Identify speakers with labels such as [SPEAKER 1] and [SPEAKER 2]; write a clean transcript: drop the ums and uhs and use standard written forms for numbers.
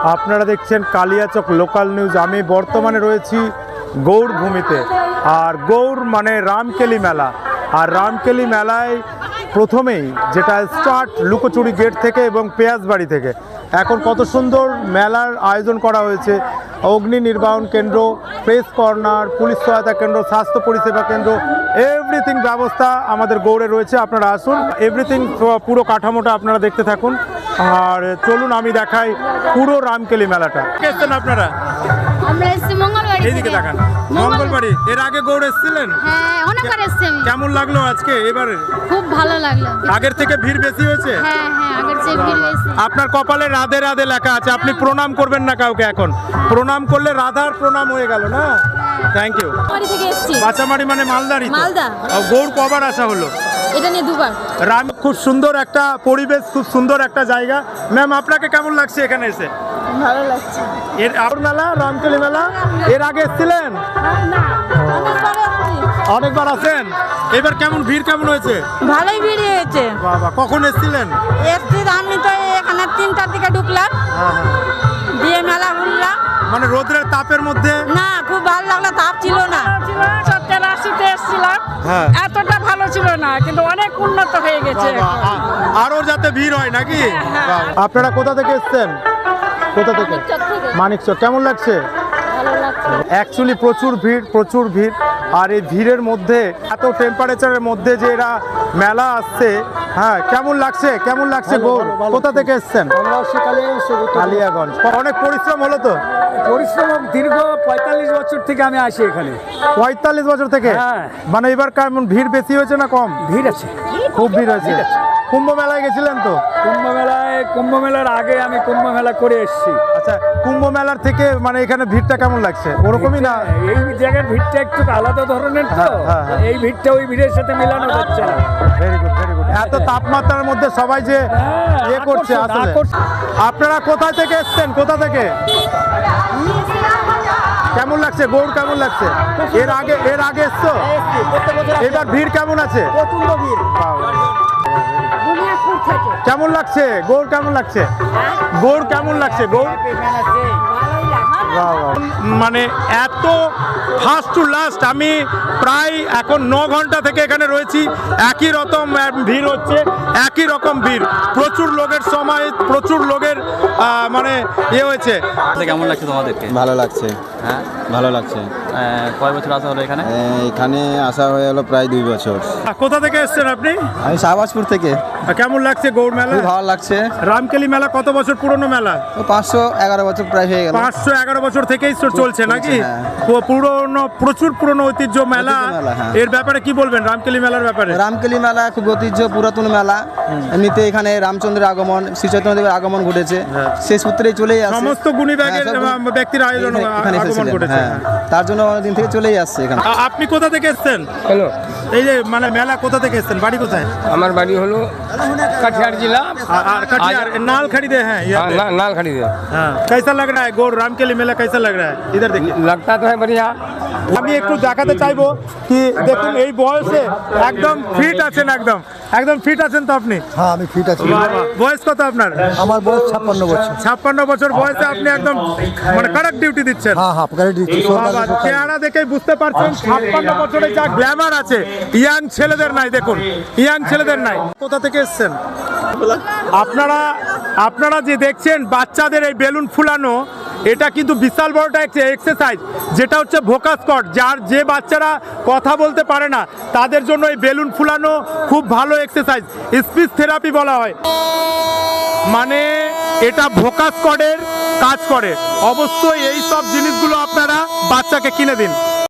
[SPEAKER 1] আপনারা দেখছেন Kaliachak local news. আমি বর্তমানে রয়েছি গৌড় ভূমিতে, আর গৌড় মানে রামকেলি মেলা। আর রামকেলি মেলায় প্রথমেই যেটা স্টার্ট লুকোচুরি গেট থেকে এবং পেঁয়াজবাড়ি থেকে। এখন কত সুন্দর মেলার আয়োজন করা হয়েছে। অগ্নি নির্বাহন কেন্দ্র, প্রেস কর্নার, পুলিশ সহায়তা কেন্দ্র, স্বাস্থ্য পরিষেবা কেন্দ্র, এভরিথিং ব্যবস্থা আমাদের গৌড়ে রয়েছে। আপনারা আসুন, এভরিথিং পুরো কাঠামোটা আপনারা দেখতে থাকুন। আর চলুন আমি দেখাই পুরো রামকেলি মেলাটা। এসছেন আপনারা?
[SPEAKER 2] আমরা এসেছি মঙ্গলবাড়ি।
[SPEAKER 1] এইদিকে দেখান, মঙ্গলবাড়ি। এর আগে গৌড় এসেছিলেন?
[SPEAKER 2] হ্যাঁ, অনেকবার এসেছি আমি।
[SPEAKER 1] কেমন লাগলো আজকে এবারে?
[SPEAKER 2] খুব ভালো লাগলো।
[SPEAKER 1] আগের থেকে ভিড় বেশি হয়েছে?
[SPEAKER 2] হ্যাঁ হ্যাঁ, আগের চেয়ে ভিড় বেশি।
[SPEAKER 1] আপনার কপালে রাধে রাধে লেখা আছে, আপনি প্রণাম করবেন না কাউকে। এখন প্রণাম করলে রাধার প্রণাম হয়ে গেল না? Thank you.
[SPEAKER 2] বাড়ি থেকে এসেছি।
[SPEAKER 1] বাঁচামারি মানে মালদারি?
[SPEAKER 2] মালদা।
[SPEAKER 1] গৌড় কবার আসা হলো?
[SPEAKER 2] এটা নিয়ে দুবার।
[SPEAKER 1] রাম খুব সুন্দর একটা পরিবেশ, খুব সুন্দর একটা জায়গা। ম্যাম, আপনাকে কেমন লাগছে এখানে এসে?
[SPEAKER 2] ভালো লাগছে।
[SPEAKER 1] এর আর মেলা, রামকেলি মেলা এর আগে এসেছিলেন?
[SPEAKER 2] না, অনেকবার এসেছি।
[SPEAKER 1] অনেকবার আছেন। এবার কেমন ভিড় কেমন হয়েছে?
[SPEAKER 3] ভালোই ভিড় হয়েছে।
[SPEAKER 1] বাবা, কখন এসেছিলেন?
[SPEAKER 3] এসছি আমি তো এখানে 3টার দিকে ঢুকলাম, দিয়ে মেলা ঘুরলাম।
[SPEAKER 1] মানে রোদ্রের তাপের মধ্যে?
[SPEAKER 3] না, খুব ভালো লাগলো, তাপ ছিল না।
[SPEAKER 4] 84-তে এসেছিলাম,
[SPEAKER 1] হ্যাঁ।
[SPEAKER 4] এতটা ভালো ছিল না, কিন্তু অনেক উন্নত হয়ে গেছে।
[SPEAKER 1] আরো যাতে ভিড় হয় নাকি? আপনারা কোথা থেকে এসেছেন? কোথা থেকে? মানিকচক। কেমন লাগছে?
[SPEAKER 2] ভালো লাগছে।
[SPEAKER 1] অ্যাকচুয়ালি প্রচুর ভিড়, প্রচুর ভিড়। আর এই ভিড়ের মধ্যে, এত টেম্পারেচারের মধ্যে যে এরা মেলা আসছে, হ্যাঁ, কেমন লাগছে? কেমন লাগছে গৌড়? কোথা থেকে এসেছেন? কালিয়াগঞ্জ। অনেক পরিশ্রম হলো তো?
[SPEAKER 5] পরিশ্রম দীর্ঘ 45 বছর থেকে আমি আসি এখানে।
[SPEAKER 1] 45 বছর থেকে?
[SPEAKER 5] হ্যাঁ।
[SPEAKER 1] মানে এবার কেমন ভিড় বেশি হয়েছে না কম?
[SPEAKER 5] ভিড় আছে,
[SPEAKER 1] খুব ভিড় হয়েছে। কুম্ভ মেলায় গেছিলেন তো?
[SPEAKER 5] কুম্ভ মেলার আগে আমি কুম্ভ মেলা করে এসেছি।
[SPEAKER 1] আচ্ছা, কুম্ভ মেলার থেকে মানে এখানে ভিড়টা কেমন লাগছে? ওরকমই না?
[SPEAKER 5] এই জায়গার ভিড়টা একটু আলাদা ধরনের তো,
[SPEAKER 1] হ্যাঁ, হ্যাঁ।
[SPEAKER 5] এই ভিড়টা ওই ভিড়ের সাথে মেলানো যাচ্ছে না।
[SPEAKER 1] Very good, very good. এত তাপমাত্রার মধ্যে সবাই যে ইয়ে করছে আসলে। আপনারা কোথা থেকে এসেছেন? কোথা থেকে? কেমন লাগছে গৌড়? কেমন লাগছে? এর আগে এসছো? এবার ভিড় কেমন আছে? কেমন লাগছে গৌড়? কেমন লাগছে গৌড়? কেমন লাগছে গৌড়? মানে এত ফার্স্ট টু লাস্ট আমি প্রায় এখন 9 ঘন্টা থেকে এখানে রয়েছি। একই রকম ভিড় হচ্ছে, একই রকম ভিড়, প্রচুর লোকের সময়, প্রচুর লোকের মানে হয়েছে।
[SPEAKER 6] কেমন লাগছে তোমাদেরকে?
[SPEAKER 7] ভালো লাগছে।
[SPEAKER 6] হ্যাঁ,
[SPEAKER 7] ভালো লাগছে।
[SPEAKER 6] কয় বছর আসা হলো এখানে?
[SPEAKER 7] এখানে আসা হয়ে গেল প্রায় 2 বছর।
[SPEAKER 1] কোথা থেকে এসেছেন আপনি?
[SPEAKER 7] আমি শাহবাজপুর থেকে।
[SPEAKER 1] কেমন লাগছে গৌড় মেলা?
[SPEAKER 7] খুব ভালো লাগছে।
[SPEAKER 1] রামকেলি মেলা কত বছর পুরনো মেলা?
[SPEAKER 7] 511 বছর প্রায় হয়ে গেল।
[SPEAKER 1] 511 বছর থেকেই চলছে নাকি?
[SPEAKER 7] হ্যাঁ।
[SPEAKER 1] পুরনো, প্রচুর পুরনো ঐতিহ্য মেলা।
[SPEAKER 7] হ্যাঁ।
[SPEAKER 1] এর ব্যাপারে কি বলবেন রামকেলি মেলার ব্যাপারে?
[SPEAKER 7] রামকেলি মেলা খুব ঐতিহ্য পুরাতন মেলা। এমনিতে এখানে রামচন্দ্রের আগমন, শ্রী চৈতন্যদেবের আগমন ঘটেছে, সেই সূত্রেই চলেই আসছে।
[SPEAKER 1] সমস্ত গুণী ব্যক্তির আয়োজন
[SPEAKER 7] এখানে
[SPEAKER 1] আগমন
[SPEAKER 7] এসেছিলেন।
[SPEAKER 1] ঘটেছে।
[SPEAKER 7] হ্যাঁ, তার জন্য অনেকদিন থেকে চলেই আসছে এখানে।
[SPEAKER 1] আপনি কোথা থেকে এসেছেন?
[SPEAKER 5] হ্যালো,
[SPEAKER 1] এই যে মানে মেলা কোথা থেকে এসেছেন? বাড়ি কোথায়?
[SPEAKER 5] আমার বাড়ি হলো কাঠিয়ার জেলা,
[SPEAKER 1] আর कटिहार नालखड़ी दे हैं ये?
[SPEAKER 5] नालखड़ी से।
[SPEAKER 1] हाँ, कैसा लग रहा है गौड़ रामकेली मेला? कैसा लग रहा है? इधर देखिए।
[SPEAKER 5] लगता तो है बढ़िया।
[SPEAKER 1] আমি একটু দেখাতে চাইবো কি দেখুন এই বয়সে একদম ফিট আছেন, একদম একদম ফিট আছেন তো আপনি?
[SPEAKER 8] হ্যাঁ, আমি ফিট আছি।
[SPEAKER 1] বয়স কত আপনার?
[SPEAKER 8] আমার বয়স 56 বছর।
[SPEAKER 1] 56 বছর বয়সে আপনি একদম মানে কড়ক ডিউটি দিচ্ছেন।
[SPEAKER 8] হ্যাঁ হ্যাঁ, পকেটে দিচ্ছি।
[SPEAKER 1] বাবা, চেহারা দেখেই বুঝতে পারছেন 56 বছরে যা গ্ল্যামার আছে ইয়াং ছেলেদের নাই। দেখুন, ইয়াং ছেলেদের নাই। কোথা থেকে এসেছেন আপনারা যে দেখছেন বাচ্চাদের এই বেলুন ফুলানো, এটা কিন্তু বিশাল বড়টা এক্সারসাইজ, যেটা হচ্ছে ভোকাস কর্ড। যে বাচ্চারা কথা বলতে পারে না তাদের জন্য এই বেলুন ফুলানো খুব ভালো এক্সারসাইজ, স্পিচ থেরাপি বলা হয়। মানে এটা ভোকাস কর্ডের কাজ করে। অবশ্যই এই সব জিনিসগুলো আপনারা বাচ্চাকে কিনে দিন।